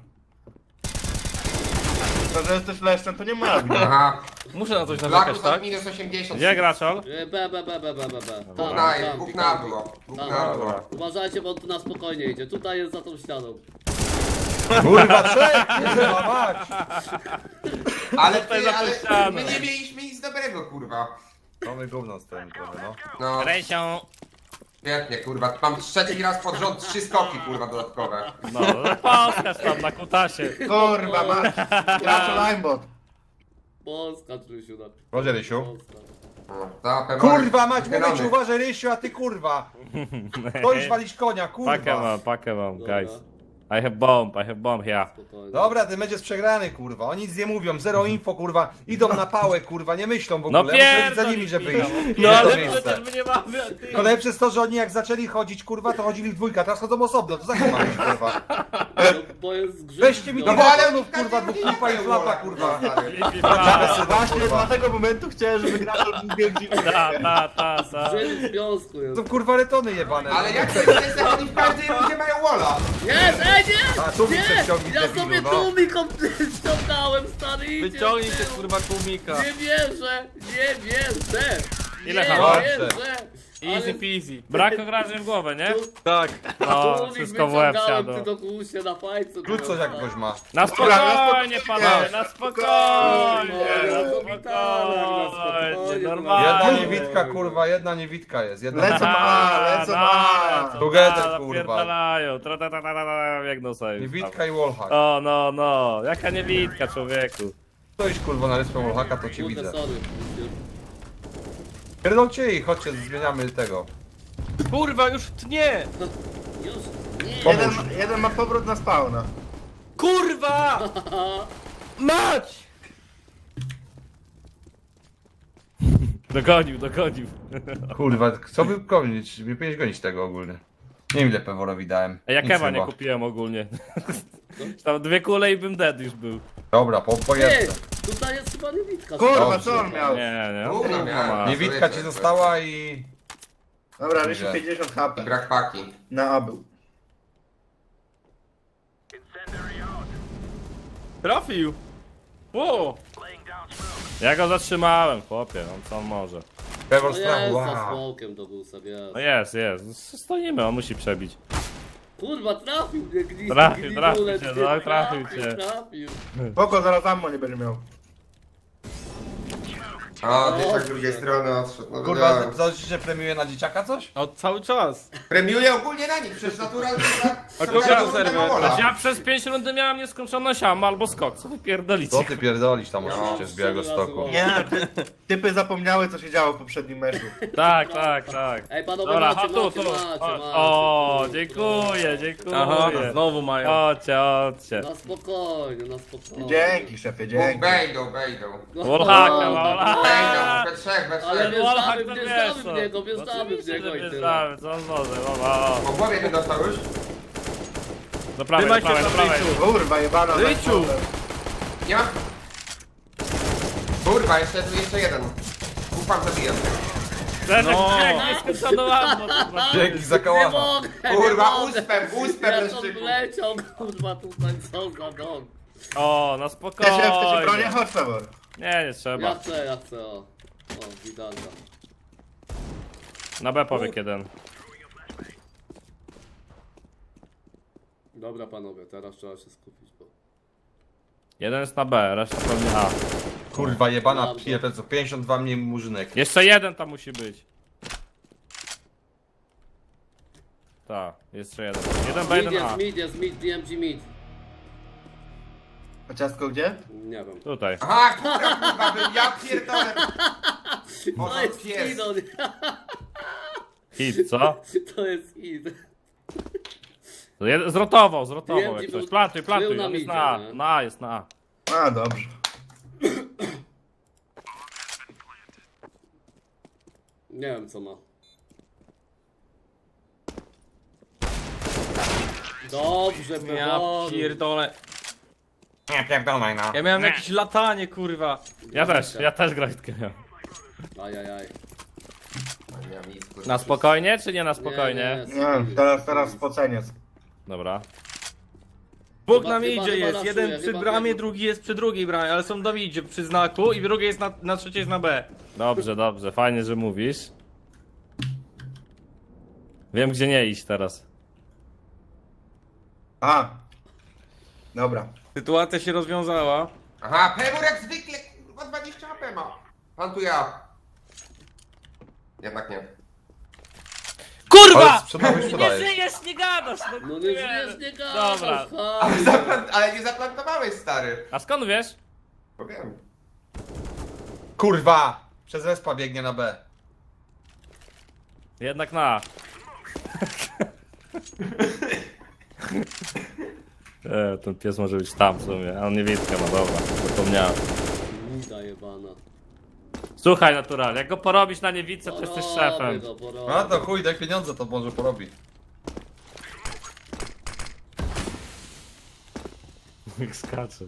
Speaker 4: To, że jesteś leszczem, to nie ma winy.
Speaker 5: Aha.
Speaker 2: Muszę na coś narzekać,
Speaker 5: Blakus
Speaker 2: tak?
Speaker 5: od minus osiemdziesiąt.
Speaker 6: Gdzie graczol?
Speaker 1: E, B, B, B, B, B, B, B.
Speaker 5: Dwóch
Speaker 1: Tam,
Speaker 5: na,
Speaker 1: tam,
Speaker 5: dwóch
Speaker 1: tam,
Speaker 5: na
Speaker 1: tam.
Speaker 5: było. Dwóch
Speaker 1: Tam.
Speaker 5: na było.
Speaker 1: Uważajcie, bo on tu na spokojnie idzie. Tutaj jest za tą ścianą.
Speaker 3: Kurwa, trzech! Kurwa, mać!
Speaker 5: Ale
Speaker 6: Tutaj
Speaker 5: ty,
Speaker 6: za
Speaker 5: ale
Speaker 6: ścianą.
Speaker 5: my nie mieliśmy nic dobrego, kurwa.
Speaker 3: Mamy gówno z tym trochę, no.
Speaker 5: No,
Speaker 6: Rysią.
Speaker 5: świetnie, kurwa. Mam trzeci raz pod rząd trzy skoki, kurwa, dodatkowe.
Speaker 6: No, no poskaż tam na kutasie.
Speaker 4: Kurwa, masz. Gracz aimbot.
Speaker 1: Polska, Trysiu. Na...
Speaker 3: Chodź, Rysiu.
Speaker 1: Polska.
Speaker 5: No, to pewnie-
Speaker 3: Kurwa, mać, mówię
Speaker 5: Zielony.
Speaker 3: ci, uważaj, Rysiu, a ty kurwa. To już walić konia,
Speaker 6: Pakę
Speaker 3: kurwa.
Speaker 6: mam, pakę mam,
Speaker 1: Dobra.
Speaker 6: guys. I have bomb, I have bomb here.
Speaker 1: Spokojnie.
Speaker 3: Dobra, ten będzie przegrany, kurwa. Oni nic nie mówią, zero info, kurwa. Idą na pałę, kurwa, nie myślą w
Speaker 6: No
Speaker 3: ogóle. Muszę lecieć za
Speaker 6: pierdol
Speaker 3: nimi, żeby
Speaker 6: Michał,
Speaker 3: iść.
Speaker 6: No
Speaker 3: w to
Speaker 6: ale
Speaker 3: miejsce.
Speaker 6: przecież my nie mamy, a ty...
Speaker 3: To najlepsze jest to, że oni jak zaczęli chodzić, kurwa, to chodzili w dwójkę, teraz chodzą osobno, to za kim mamy iść, kurwa.
Speaker 1: No, bo jest grzyb.
Speaker 3: Weźcie mi
Speaker 1: no.
Speaker 3: do
Speaker 5: No bo ale
Speaker 3: balonów, kurwa, dwóch flipa i flapa, kurwa.
Speaker 4: Właśnie dla tego momentu chciałem, żeby gracz biegł
Speaker 6: Ta, ta, ta, ta.
Speaker 1: Grzyb w związku jest.
Speaker 3: To kurwa retony jebane.
Speaker 5: Ale jak to jest, że oni w każdej rundzie mają walla?
Speaker 1: Jest, ej nie!
Speaker 3: A, tu mi
Speaker 1: Nie!
Speaker 3: się wciągnij,
Speaker 1: Ja
Speaker 3: debilu,
Speaker 1: sobie
Speaker 3: no.
Speaker 1: tu mi ściągnąłem, stary, idzie
Speaker 2: Wyciągnij
Speaker 1: w
Speaker 2: się
Speaker 1: tył.
Speaker 2: kurwa tłumika.
Speaker 1: Nie wierzę, nie wierzę!
Speaker 6: Ile
Speaker 1: nie
Speaker 6: hawa?
Speaker 1: wierzę!
Speaker 2: Easy peasy.
Speaker 6: Brak ograżeń w głowę, nie?
Speaker 2: Tak.
Speaker 6: No,
Speaker 1: Tu mi
Speaker 6: wszystko w łeb
Speaker 1: wyciągałem,
Speaker 6: siadło.
Speaker 1: ty do kłusie na fajce.
Speaker 3: Rzuć coś jak ktoś ma.
Speaker 6: Na spokojnie, panowie, na spokojnie, na
Speaker 1: Spokojnie,
Speaker 6: spokojnie,
Speaker 1: spokojnie.
Speaker 6: normalnie.
Speaker 3: Jedna niewidka, kurwa, jedna niewidka jest. Jedna
Speaker 4: Lecą A, lecą A.
Speaker 3: Together, kurwa.
Speaker 6: Pierdalają, tra ta ta ta ta ta, biegną sobie.
Speaker 3: Niewidka i wallhack.
Speaker 6: O, no, no, jaka niewidka, człowieku.
Speaker 3: To iść, kurwa, na ryspę wallhacka, to cię
Speaker 1: Kurde,
Speaker 3: widzę.
Speaker 1: sorry.
Speaker 3: Pierdolcie i chodźcie, zmieniamy tego.
Speaker 2: Kurwa, już tnie.
Speaker 1: Już? Nie.
Speaker 4: Jeden, jeden ma powrót na spawna.
Speaker 2: Kurwa! Mać!
Speaker 6: Dogonił, dogonił.
Speaker 3: Kurwa, co by gonić? Nie powinieneś gonić tego ogólnie. Nie wiem ile Peworowi dałem.
Speaker 6: A ja
Speaker 3: Nic
Speaker 6: kewa nie
Speaker 3: chyba.
Speaker 6: kupiłem ogólnie. Tam dwie kule i bym dead już był.
Speaker 3: Dobra, po, po
Speaker 1: Ty,
Speaker 3: jedce.
Speaker 1: tutaj jest chyba niewidka.
Speaker 4: Kurwa,
Speaker 3: Dobrze.
Speaker 4: co on miał?
Speaker 6: Nie, nie.
Speaker 5: Gówno
Speaker 6: No,
Speaker 5: miałem.
Speaker 6: ma.
Speaker 3: Niewidka ci została i...
Speaker 4: Dobra, Rysiu
Speaker 3: Dobrze.
Speaker 4: pięćdziesiąt H P.
Speaker 5: Brak paki.
Speaker 4: Na A był.
Speaker 2: Trafił! Ło!
Speaker 6: Ja go zatrzymałem, chłopie, no co on może.
Speaker 3: Pewor
Speaker 1: No
Speaker 3: strachu,
Speaker 1: jest za
Speaker 3: wow.
Speaker 1: smokiem do gusa, jest.
Speaker 6: No jest, jest. Stoimy, on musi przebić.
Speaker 1: Kurwa, trafił mnie gdzieś.
Speaker 6: Trafił, trafił cię, no, trafił cię.
Speaker 1: Trafił.
Speaker 4: Spoko, zaraz ammo nie będzie miał.
Speaker 5: O, dzieciak z drugiej strony odszedł. No,
Speaker 3: Kurwa,
Speaker 5: wiedziałem.
Speaker 3: coś się premiuje na dzieciaka coś?
Speaker 2: No cały czas.
Speaker 5: Premiuję ogólnie na nich, przecież naturalnie
Speaker 2: A kogo na serwer?
Speaker 6: Ja przez pięć rundy miałem nieskończone siam albo skok, co wy pierdolicie?
Speaker 3: Co ty pierdolisz tam
Speaker 5: No,
Speaker 3: oczywiście z Białego
Speaker 1: cztery razy
Speaker 3: Stoku?
Speaker 1: łącznie.
Speaker 4: Nie, ty, typy zapomniały co się działo w poprzednim meczu.
Speaker 6: Tak, tak, tak.
Speaker 1: Ej, panowie,
Speaker 6: Dobra,
Speaker 1: macie,
Speaker 6: chodź tu,
Speaker 1: macie,
Speaker 6: tu.
Speaker 1: macie,
Speaker 6: Chodź.
Speaker 1: macie.
Speaker 6: O, dziękuję, dziękuję.
Speaker 2: Aha, znowu mają.
Speaker 6: Chodźcie, chodźcie.
Speaker 1: Na spokojnie, na spokojnie.
Speaker 4: Dzięki, szefie, dzięki.
Speaker 5: Wejdą, wejdą.
Speaker 1: No,
Speaker 6: Wallhacka,
Speaker 5: Wejdą,
Speaker 6: wallhacka.
Speaker 5: we trzech, we
Speaker 1: Ale
Speaker 5: trzech.
Speaker 6: Wallhack
Speaker 1: wjeżdżamy,
Speaker 6: to
Speaker 1: wjeżdżamy
Speaker 6: wiesz,
Speaker 1: w niego,
Speaker 6: no.
Speaker 1: wjeżdżamy w
Speaker 6: Oczywiście,
Speaker 1: niego
Speaker 6: że
Speaker 1: i tyle.
Speaker 6: wjeżdżamy, co on może, dobra.
Speaker 5: Po głowie ten dostał już?
Speaker 6: Do prawej, do
Speaker 2: Trzymaj się
Speaker 6: prawej, do
Speaker 2: tam,
Speaker 6: prawej.
Speaker 2: Rysiu.
Speaker 4: Kurwa, jebana.
Speaker 2: Ryciu!
Speaker 5: Nie ma? Kurwa, jeszcze, jeszcze jeden. Ufam, zabijam.
Speaker 6: Ten
Speaker 2: No.
Speaker 6: jak nieskończoną ammo, kurwa.
Speaker 3: Dzięki za
Speaker 1: Nie
Speaker 3: kałacha.
Speaker 1: mogę,
Speaker 5: Kurwa,
Speaker 1: nie mogę.
Speaker 5: uspem, uspem,
Speaker 1: Jak
Speaker 5: leszczyku.
Speaker 1: on leciał, kurwa, tutaj co za dom.
Speaker 6: O, na
Speaker 4: Chcecie, chcecie bronię?
Speaker 6: spokojnie.
Speaker 4: Chodź, Pewor.
Speaker 6: Nie, nie
Speaker 1: Ja
Speaker 6: trzeba.
Speaker 1: chcę, ja chcę, o. O, widalna.
Speaker 6: Na B powiek jeden.
Speaker 1: Dobra panowie, teraz trzeba się skupić, bo...
Speaker 6: Jeden jest na B, reszta pewnie A.
Speaker 3: Kurwa jebana
Speaker 1: Dobra.
Speaker 3: pierdolę, co pięćdziesiąt dwa mniej murzynek.
Speaker 6: Jeszcze jeden tam musi być. Tak, jeszcze jeden. Jeden B,
Speaker 1: Mid
Speaker 6: jeden A.
Speaker 1: jest, mid jest, mid, D M G mid.
Speaker 4: A ciastko gdzie?
Speaker 1: Nie wiem.
Speaker 6: Tutaj.
Speaker 5: Aha, kurwa, kurwa, bym ja pierdolę.
Speaker 1: To
Speaker 5: Boże,
Speaker 1: jest
Speaker 5: pies.
Speaker 1: hit, on...
Speaker 6: Hit, co?
Speaker 1: To jest hit.
Speaker 6: To jed- Zrotował, zrotował
Speaker 1: Wiem,
Speaker 6: jak
Speaker 1: ci
Speaker 6: ktoś.
Speaker 1: był-
Speaker 6: Plantuj, plantuj,
Speaker 1: był na
Speaker 6: on jest
Speaker 1: midzie,
Speaker 6: na A.
Speaker 1: nie?
Speaker 6: Na A jest, na A.
Speaker 4: A, dobrze.
Speaker 1: Nie wiem co ma. Dobrze,
Speaker 2: Ja
Speaker 1: Pewor.
Speaker 2: pierdolę.
Speaker 3: Nie pierdolaj no.
Speaker 2: Ja miałem jakieś latanie, kurwa.
Speaker 6: Ja też, ja też grajtkę miałem.
Speaker 1: Ajajaj.
Speaker 5: Nie mam nic, kurwa.
Speaker 6: Na spokojnie, czy nie na spokojnie?
Speaker 1: Nie,
Speaker 4: Nie, teraz, teraz spoceniec.
Speaker 6: Dobra.
Speaker 2: Bóg
Speaker 1: Chyba-
Speaker 2: na
Speaker 1: chyba-
Speaker 2: midzie
Speaker 1: chyba
Speaker 2: jest.
Speaker 1: raszuje,
Speaker 2: Jeden przy
Speaker 1: chyba
Speaker 2: bramie,
Speaker 1: tego.
Speaker 2: drugi jest przy drugiej bramie, ale są do midzie przy znaku i drugi jest na, na trzeciej jest na B.
Speaker 6: Dobrze, dobrze, fajnie, że mówisz. Wiem, gdzie nie iść teraz.
Speaker 4: A. Dobra.
Speaker 2: Sytuacja się rozwiązała.
Speaker 5: Aha, Pewor jak zwykle, kurwa, dwadzieścia H P ma. Pan tu ja. Jednak nie.
Speaker 3: Ale
Speaker 6: Kurwa!
Speaker 3: sprzedałeś,
Speaker 6: Nie
Speaker 3: sprzedajesz.
Speaker 6: żyjesz, nie gadasz! No,
Speaker 1: No nie żyjesz, nie
Speaker 6: Dobra.
Speaker 1: gadasz,
Speaker 5: Ale,
Speaker 1: chodź.
Speaker 5: zaplan- ale nie zaplantowałeś, stary.
Speaker 6: A skąd wiesz?
Speaker 5: Powiem.
Speaker 3: Kurwa! Przez respa biegnie na B.
Speaker 6: Jednak na A. E, ten pies może być tam w sumie, a on nie widka ma, dobra, zapomniałem.
Speaker 1: Nida jebana.
Speaker 6: Słuchaj, natural, jak go porobisz na niewidce, to jesteś
Speaker 1: Porobię
Speaker 6: szefem.
Speaker 1: go, porobię.
Speaker 3: A to chuj, daj pieniądze, to może porobi.
Speaker 6: Jak skacze.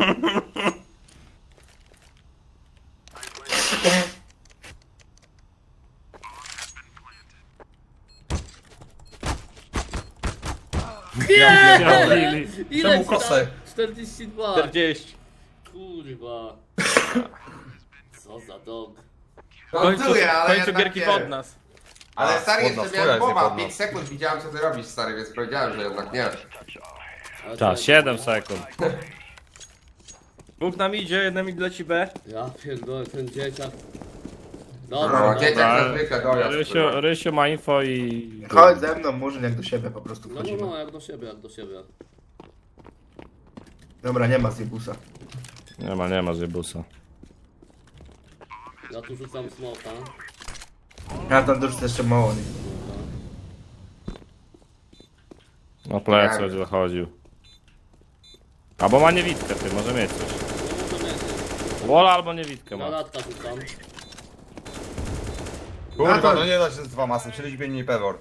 Speaker 1: Nie!
Speaker 6: Lili.
Speaker 1: Ile
Speaker 3: Czemu
Speaker 1: ci
Speaker 3: kosę?
Speaker 1: dał? czterdzieści dwa.
Speaker 2: czterdzieści.
Speaker 1: Kurwa. Co za dog.
Speaker 2: W końcu,
Speaker 5: Montuję,
Speaker 2: w
Speaker 5: ale
Speaker 2: końcu
Speaker 5: jednak
Speaker 2: gierki
Speaker 5: nie.
Speaker 2: pod nas.
Speaker 5: Ale
Speaker 3: A,
Speaker 5: stary,
Speaker 3: spodna,
Speaker 5: jeszcze
Speaker 3: twoja
Speaker 5: miałem
Speaker 3: jest nie
Speaker 5: głowa,
Speaker 3: pod nas.
Speaker 5: pięć sekund widziałem co ty robisz, stary, więc powiedziałem, że jednak nie.
Speaker 1: Ale
Speaker 6: Tak,
Speaker 1: co-
Speaker 6: siedem sekund.
Speaker 2: Bóg na midzie, jeden mid leci B.
Speaker 1: Ja pierdolę, ten dzieciak.
Speaker 5: No,
Speaker 1: Dobra,
Speaker 5: dzieciak
Speaker 1: dobra.
Speaker 5: za zwykle dojazd.
Speaker 6: Rysiu,
Speaker 5: kurwa.
Speaker 6: Rysiu ma info i...
Speaker 4: Chodź ze mną, Murzyn, jak do siebie po prostu
Speaker 1: No, no,
Speaker 4: wchodzimy.
Speaker 1: no, jak do siebie, jak do siebie.
Speaker 4: Dobra, nie ma Zibusa.
Speaker 6: Nie ma, nie ma Zybusa.
Speaker 1: Ja tu rzucam smoka.
Speaker 4: Ja tam dorzucę jeszcze mało. Nie?
Speaker 6: Na plecy będzie zachodził. Albo ma niewidkę, ty, może mieć coś.
Speaker 1: No może mieć.
Speaker 6: Wola albo niewidkę
Speaker 1: Na
Speaker 6: ma.
Speaker 1: latka rzucam.
Speaker 3: Kurwa, no nie da się z dwa masy, czyli mniej pewor.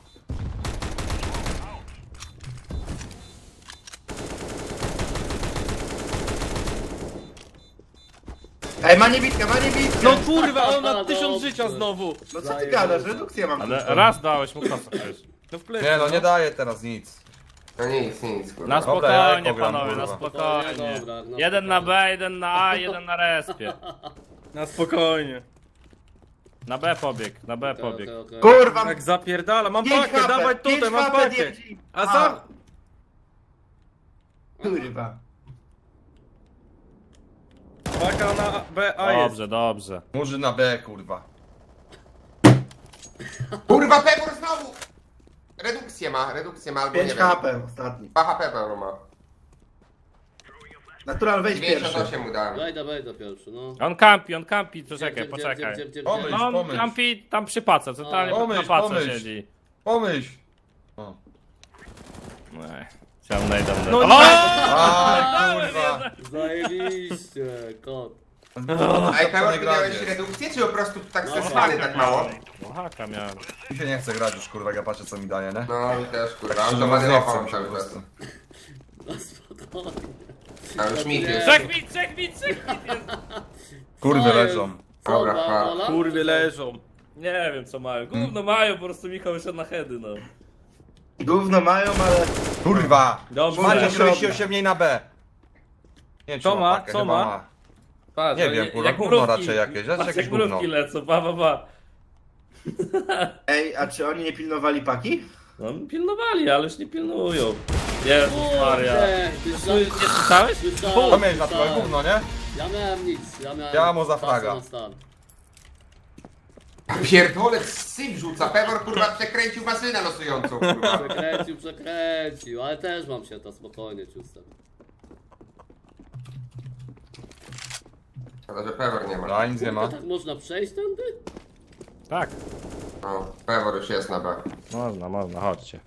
Speaker 4: Ej, ma niewidkę, ma niewidkę!
Speaker 2: No kurwa, on ma
Speaker 1: Dobrze.
Speaker 2: tysiąc życia znowu.
Speaker 4: No co ty gadasz? Redukcję mam.
Speaker 6: Ale
Speaker 4: tylko.
Speaker 6: raz dałeś mu kosę przecież.
Speaker 2: No w plecy.
Speaker 3: Nie no, nie daje teraz nic.
Speaker 5: No nic, nic, kurwa.
Speaker 6: Na
Speaker 3: Dobra, ja
Speaker 6: spokojnie,
Speaker 3: pogram,
Speaker 6: panowie, na
Speaker 3: kurwa.
Speaker 6: spokojnie.
Speaker 1: Dobra, no
Speaker 6: Jeden na B, jeden na A, jeden na respie.
Speaker 2: Na spokojnie.
Speaker 6: Na B pobieg, na B
Speaker 1: Okej,
Speaker 6: pobieg.
Speaker 1: okej, okej.
Speaker 4: Kurwa!
Speaker 2: Tak zapierdala, mam
Speaker 4: pięć
Speaker 2: pakę,
Speaker 4: H P,
Speaker 2: dawaj
Speaker 4: pięć
Speaker 2: tutaj, mam
Speaker 4: H P
Speaker 2: pakę.
Speaker 4: D M G.
Speaker 2: A za...
Speaker 4: Kurwa.
Speaker 2: Paka na B, A jest.
Speaker 6: Dobrze, dobrze.
Speaker 3: Murzy na B, kurwa.
Speaker 5: Kurwa, Pebor znowu! Redukcję ma, redukcję ma, albo nie
Speaker 4: pięć
Speaker 5: wiem.
Speaker 4: H P ostatni.
Speaker 5: dwa H P Pebor ma.
Speaker 4: Natural, wejdź pierwszy.
Speaker 5: dziewięćdziesiąt osiem mu dałem.
Speaker 1: Wejdę, wejdę pierwszy, no.
Speaker 6: On kampi, on kampi, poczekaj,
Speaker 1: Gdzie, gdzie,
Speaker 6: poczekaj.
Speaker 1: gdzie, gdzie, gdzie,
Speaker 3: Pomyśl,
Speaker 1: gdzie?
Speaker 6: No on
Speaker 3: pomyśl.
Speaker 6: kampi tam przy pace, totalnie
Speaker 3: Pomyśl,
Speaker 6: na pace
Speaker 3: pomyśl.
Speaker 6: siedzi.
Speaker 3: Pomyśl. O.
Speaker 6: Ej, Chciałem najdę.
Speaker 2: No
Speaker 6: O!
Speaker 2: nie.
Speaker 3: Aj, kurwa.
Speaker 1: Zajebiście, kot.
Speaker 5: Ej, Pebor,
Speaker 3: nie
Speaker 5: ty miałeś
Speaker 3: grać.
Speaker 5: redukcję, czy po prostu tak
Speaker 1: No,
Speaker 5: zesrany tak mało?
Speaker 6: No haka miałem.
Speaker 3: Mi się nie chce grać już, kurwa, jak ja patrzę co mi daje, nie?
Speaker 5: No, mi też, kurwa,
Speaker 3: Tak
Speaker 5: on
Speaker 3: szczerze
Speaker 5: to
Speaker 3: mówiąc,
Speaker 5: ma
Speaker 3: nie chce
Speaker 5: mam
Speaker 3: mi się
Speaker 5: cały
Speaker 3: po
Speaker 5: czas.
Speaker 3: prostu.
Speaker 1: No spokojnie.
Speaker 5: A już mit jest.
Speaker 6: Trzech bit, trzech bit, trzech bit jest.
Speaker 3: Kurwy
Speaker 1: Co
Speaker 3: leżą.
Speaker 1: jest? Co,
Speaker 5: Dobra,
Speaker 1: ba-
Speaker 5: fakt.
Speaker 1: bola?
Speaker 2: Kurwy leżą.
Speaker 6: Nie wiem co mają, gówno mają, po prostu Michał wyszedł na heady, no.
Speaker 4: Gówno mają, ale...
Speaker 3: Kurwa!
Speaker 6: Dobrze.
Speaker 3: Macie
Speaker 4: Dobrze.
Speaker 3: czterdzieści osiem mniej na B. Nie wiem,
Speaker 2: Co
Speaker 3: czy
Speaker 2: ma?
Speaker 3: pakę,
Speaker 2: Co
Speaker 3: chyba
Speaker 2: ma?
Speaker 6: Patrz,
Speaker 3: Nie
Speaker 6: no,
Speaker 3: wiem,
Speaker 6: jak
Speaker 3: kurwa, gówno
Speaker 6: mrówki.
Speaker 3: raczej jakieś, raczej
Speaker 6: Patrz,
Speaker 3: jakieś
Speaker 6: jak
Speaker 3: gówno.
Speaker 6: mrówki lecą, ba, ba, ba.
Speaker 4: Ej, a czy oni nie pilnowali paki?
Speaker 6: No pilnowali, ale już nie pilnują. Jezus Maria.
Speaker 1: Kurde, ty
Speaker 6: Słu- Nie słyszałeś?
Speaker 1: Słyszałem,
Speaker 3: To miałeś na twoje
Speaker 1: słyszałem.
Speaker 3: gówno, nie?
Speaker 1: Ja miałem nic, ja miałem...
Speaker 3: Ja mu za
Speaker 1: kasę
Speaker 3: fraga.
Speaker 1: na start.
Speaker 5: Pierdolec syp rzuca, Pebor, kurwa, przekręcił masynę losującą, kurwa.
Speaker 1: Przekręcił, przekręcił, ale też mam się to spokojnie czustem.
Speaker 5: Szkoda, że Pebor nie ma.
Speaker 3: No, nic nie ma.
Speaker 1: Tak można przejść tędy?
Speaker 6: Tak.
Speaker 5: O, Pebor już jest na B.
Speaker 6: Można, można, chodźcie.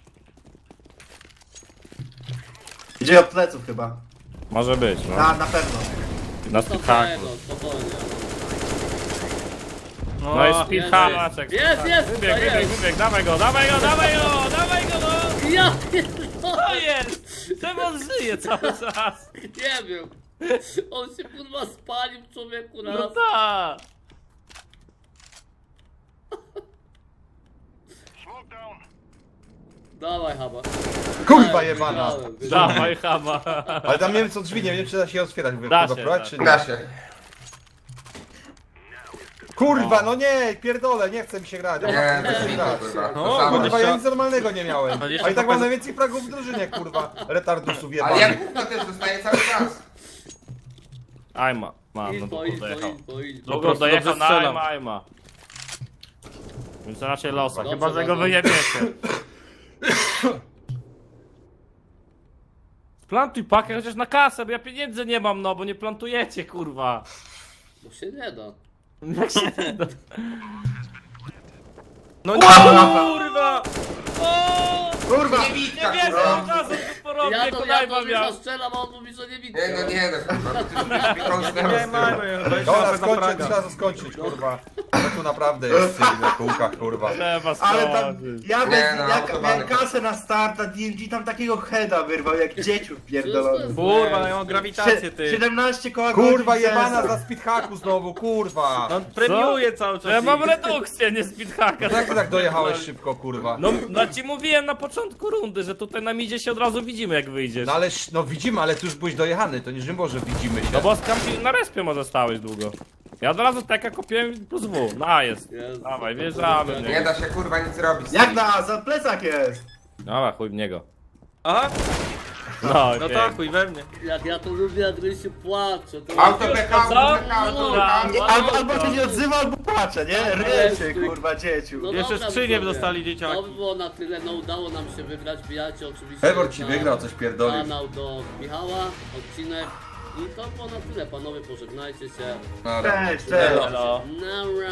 Speaker 4: Idzie od pleców chyba.
Speaker 6: Może być, no.
Speaker 4: Na, na pewno.
Speaker 6: Na
Speaker 1: To
Speaker 6: speedhaku.
Speaker 1: tego, spokojnie.
Speaker 6: No i
Speaker 1: Jest,
Speaker 6: speedhamaczek.
Speaker 1: jest, jest,
Speaker 6: Wybieg,
Speaker 1: to
Speaker 6: wybieg,
Speaker 1: jest.
Speaker 6: wybieg, dawaj go, dawaj go, dawaj go, dawaj go, no!
Speaker 1: Ja
Speaker 6: To jest! Czemu on żyje cały czas?
Speaker 1: nie wiem. On się kurwa spalił człowieku raz.
Speaker 6: No tak!
Speaker 1: Dawaj haba.
Speaker 3: Kurwa
Speaker 1: Dałem,
Speaker 3: jebana!
Speaker 1: wiedziałem, wiedziałem.
Speaker 6: Dawaj, chama.
Speaker 3: Ale tam nie wiem co drzwi, nie wiem czy da się je otwierać.
Speaker 6: Da
Speaker 3: kurwa,
Speaker 6: się,
Speaker 3: próbować,
Speaker 6: da
Speaker 3: czy
Speaker 6: się.
Speaker 3: nie?
Speaker 5: Da się.
Speaker 3: Kurwa, no nie, pierdolę, nie chce mi się grać. Ja
Speaker 5: Nie,
Speaker 3: mam-
Speaker 5: to
Speaker 3: chcę się
Speaker 5: jest
Speaker 3: grać.
Speaker 5: kurwa.
Speaker 2: No,
Speaker 5: To samo.
Speaker 3: Kurwa, ja nic normalnego nie miałem.
Speaker 2: dwadzieścia
Speaker 3: A i tak
Speaker 2: K P
Speaker 3: mam najwięcej fragów w drużynie, kurwa. Retardusów
Speaker 5: Ale
Speaker 3: jebanych.
Speaker 5: ja gówno też dostaję cały czas.
Speaker 6: Ajma. Mam, no
Speaker 1: Info,
Speaker 6: długo
Speaker 1: info,
Speaker 6: dojechał.
Speaker 1: info, info.
Speaker 6: Długo
Speaker 2: prostu
Speaker 6: dojechał
Speaker 2: dobrze
Speaker 6: na
Speaker 2: strzelam.
Speaker 6: Ajma, Ajma. Więc raczej losa,
Speaker 1: Dobrze,
Speaker 6: chyba że go
Speaker 1: dobrze.
Speaker 6: wyjebiecie. Plantuj pakę chociaż na kasę, bo ja pieniędzy nie mam, no bo nie plantujecie, kurwa.
Speaker 1: Bo się nie da.
Speaker 6: Jak się nie da.
Speaker 2: No nie, kurwa!
Speaker 6: O!
Speaker 4: Kurwa!
Speaker 6: Nie
Speaker 5: Niewidka,
Speaker 6: wierzę,
Speaker 5: kurwa.
Speaker 6: od razu to porobię,
Speaker 1: Ja to, ja
Speaker 6: konajma
Speaker 1: to
Speaker 6: miał.
Speaker 1: Michał strzelam, a on mówi, że nie widzę.
Speaker 5: Nie, no nie, no kurwa. Ty już mi kąsnęło
Speaker 2: Nie
Speaker 5: z tyłu.
Speaker 2: mamy, dwadzieścia
Speaker 3: Dobra,
Speaker 2: K P za
Speaker 3: skończę,
Speaker 2: fraga.
Speaker 3: trzeba to skończyć, kurwa. Ale tu naprawdę jest syf na kółkach, kurwa.
Speaker 6: Trzeba
Speaker 4: Ale tam,
Speaker 6: skończyć.
Speaker 4: ja,
Speaker 5: Nie,
Speaker 4: bez,
Speaker 5: no,
Speaker 4: ja
Speaker 5: autobany.
Speaker 4: miałem kasę na start, a D M G tam takiego heada wyrwał, jak dzieciów pierdolony.
Speaker 2: Kurwa, ja mam grawitację, ty.
Speaker 4: siedemnaście koła
Speaker 3: Kurwa
Speaker 4: godzin
Speaker 3: jebana
Speaker 4: sensu.
Speaker 3: za speedhacku znowu, kurwa.
Speaker 2: On premiuje cały czas.
Speaker 6: Ja mam
Speaker 2: ich.
Speaker 6: redukcję, nie speedhacka.
Speaker 3: Jak ty tak dojechałeś szybko, kurwa?
Speaker 6: No, no ci mówiłem na początku rundy, że tutaj na midzie się od razu widzimy jak wyjdziesz.
Speaker 3: No ale, sz- no widzimy, ale ty już byłeś dojechany, to nie że może widzimy się.
Speaker 6: No bo skampi na respie może stałeś długo. Ja od razu teka kopiłem plus W. No a jest.
Speaker 1: Jezu,
Speaker 6: Dawaj,
Speaker 1: to
Speaker 6: wjeżdżamy.
Speaker 1: to-
Speaker 5: Nie da się kurwa nic robić.
Speaker 4: Jak na za plecak jest?
Speaker 6: Dobra, chuj w niego.
Speaker 2: Aha,
Speaker 6: No,
Speaker 2: no
Speaker 6: okej.
Speaker 2: tak, chuj we mnie.
Speaker 1: Jak ja to lubię, jak Rysiu płacze. To
Speaker 5: Auto PK,
Speaker 6: Co?
Speaker 5: auto PK, auto PK.
Speaker 4: Nie, albo, albo się nie odzywa, albo płacze, nie? Ryczy,
Speaker 1: Jezu.
Speaker 4: kurwa, dzieciu.
Speaker 1: No
Speaker 2: Jeszcze
Speaker 1: dobra,
Speaker 2: skrzynię
Speaker 1: widzowie.
Speaker 2: dostali dzieciaki.
Speaker 1: To by było na tyle, no udało nam się wygrać, wbijajcie oczywiście
Speaker 3: Pewor ci
Speaker 1: na
Speaker 3: wygrał, coś pierdolił.
Speaker 1: kanał do Michała, odcinek i to było na tyle, panowie pożegnajcie się.
Speaker 3: Dobra.
Speaker 4: Cześć, cześć.
Speaker 6: Elo.
Speaker 1: Nara.